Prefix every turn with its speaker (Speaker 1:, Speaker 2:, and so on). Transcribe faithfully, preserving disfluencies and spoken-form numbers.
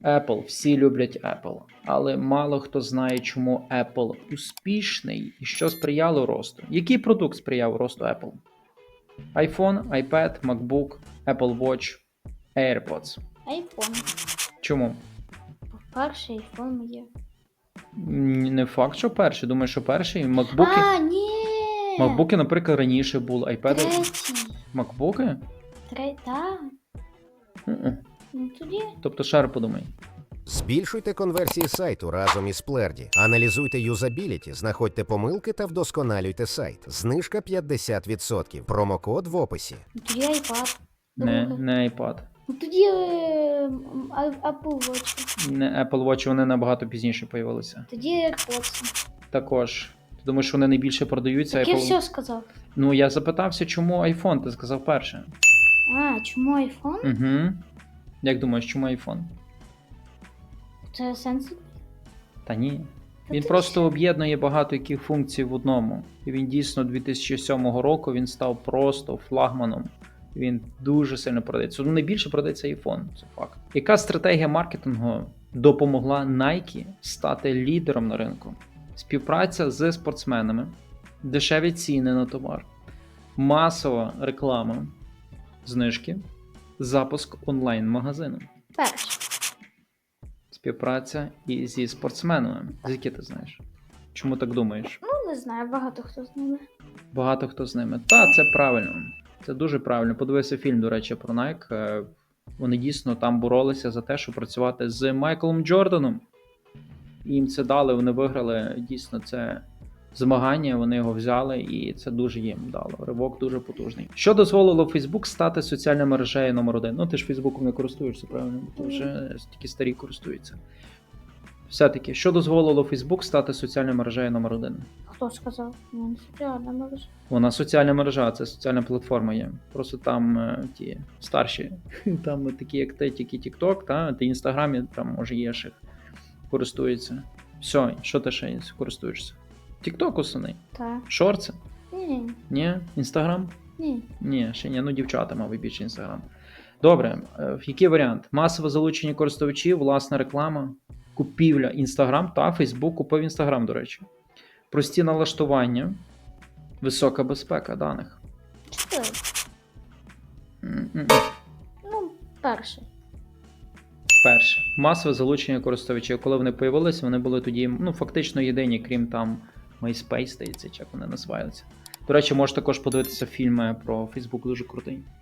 Speaker 1: Apple. Всі люблять Apple. Але мало хто знає, чому Apple успішний і що сприяло росту. Який продукт сприяв росту Apple? iPhone, iPad, MacBook, Apple Watch, AirPods.
Speaker 2: Айфон.
Speaker 1: Чому?
Speaker 2: Перший айфон є.
Speaker 1: М, Не факт, що перший. Думаю, що перший. MacBook.
Speaker 2: А, ні!
Speaker 1: MacBook, наприклад, раніше були. iPad.
Speaker 2: Третій.
Speaker 1: MacBook?
Speaker 2: Третій, так.
Speaker 1: Мгм.
Speaker 2: Ну тоді.
Speaker 1: Тобто ще раз подумай.
Speaker 3: Збільшуйте конверсії сайту разом із Splerdі. Аналізуйте юзабіліті, знаходьте помилки та вдосконалюйте сайт. Знижка п'ятдесят відсотків. Промокод в описі.
Speaker 2: Ну тоді iPad.
Speaker 1: Не,
Speaker 2: Друге.
Speaker 1: не iPad.
Speaker 2: Ну тоді е, м, а- Apple Watch.
Speaker 1: Не Apple Watch, вони набагато пізніше появилися.
Speaker 2: Тоді AirPods.
Speaker 1: Також. Ти думаєш, що вони найбільше продаються?
Speaker 2: Так я
Speaker 1: Apple...
Speaker 2: все сказав.
Speaker 1: Ну, я запитався, чому iPhone, ти сказав перше.
Speaker 2: А, чому айфон?
Speaker 1: Угу. Як думаєш, чому iPhone?
Speaker 2: Це сенс.
Speaker 1: Та ні.
Speaker 2: Та
Speaker 1: Він
Speaker 2: ти
Speaker 1: просто об'єднує багато яких функцій в одному. І він дійсно дві тисячі сьомого року він став просто флагманом. Він дуже сильно продається. Ну, найбільше продається iPhone, це факт. Яка стратегія маркетингу допомогла Nike стати лідером на ринку? Співпраця з спортсменами, дешеві ціни на товар, масова реклама, знижки, запуск онлайн-магазину.
Speaker 2: Перший.
Speaker 1: Співпраця і зі спортсменами. Звідки ти знаєш? Чому так думаєш?
Speaker 2: Ну, не знаю, багато хто з ними.
Speaker 1: Багато хто з ними. Та, це правильно. Це дуже правильно. Подивися фільм, до речі, про Nike. Е, Вони дійсно там боролися за те, щоб працювати з Майклом Джорданом. І їм це дали, вони виграли. Дійсно, це змагання, вони його взяли, і це дуже їм дало. Ривок дуже потужний. Що дозволило Facebook стати соціальною мережею номер один? Ну, ти ж Фейсбуком не користуєшся, правильно? Ти вже тільки старі користуються. Все-таки, що дозволило Facebook стати соціальною мережею номер один?
Speaker 2: Хто сказав? Ну, не соціальна мережа.
Speaker 1: Вона соціальна мережа, це соціальна платформа є. Просто там е, ті старші, там такі, як ти, тільки TikTok, та ти Інстаграмі, там може є ще користуються. Все, що ти ще користуєшся? TikTok основний.
Speaker 2: Так.
Speaker 1: Шорти?
Speaker 2: Ні,
Speaker 1: Ні? Інстаграм?
Speaker 2: ні.
Speaker 1: Ні, ще ні. Ну, дівчата, мабуть, більше Інстаграм. Добре, е, який варіант? Масове залучення користувачів, власна реклама, купівля Інстаграм та Фейсбук купив Інстаграм, до речі. Прості налаштування, висока безпека даних.
Speaker 2: Чотири.
Speaker 1: М-м-м.
Speaker 2: Ну, перший.
Speaker 1: Перше. Масове залучення користувачів. Коли вони появилися, вони були тоді, ну, фактично єдині, крім там MySpace, здається, чи як вони називаються. До речі, можеш також подивитися фільми про Facebook, дуже крутий.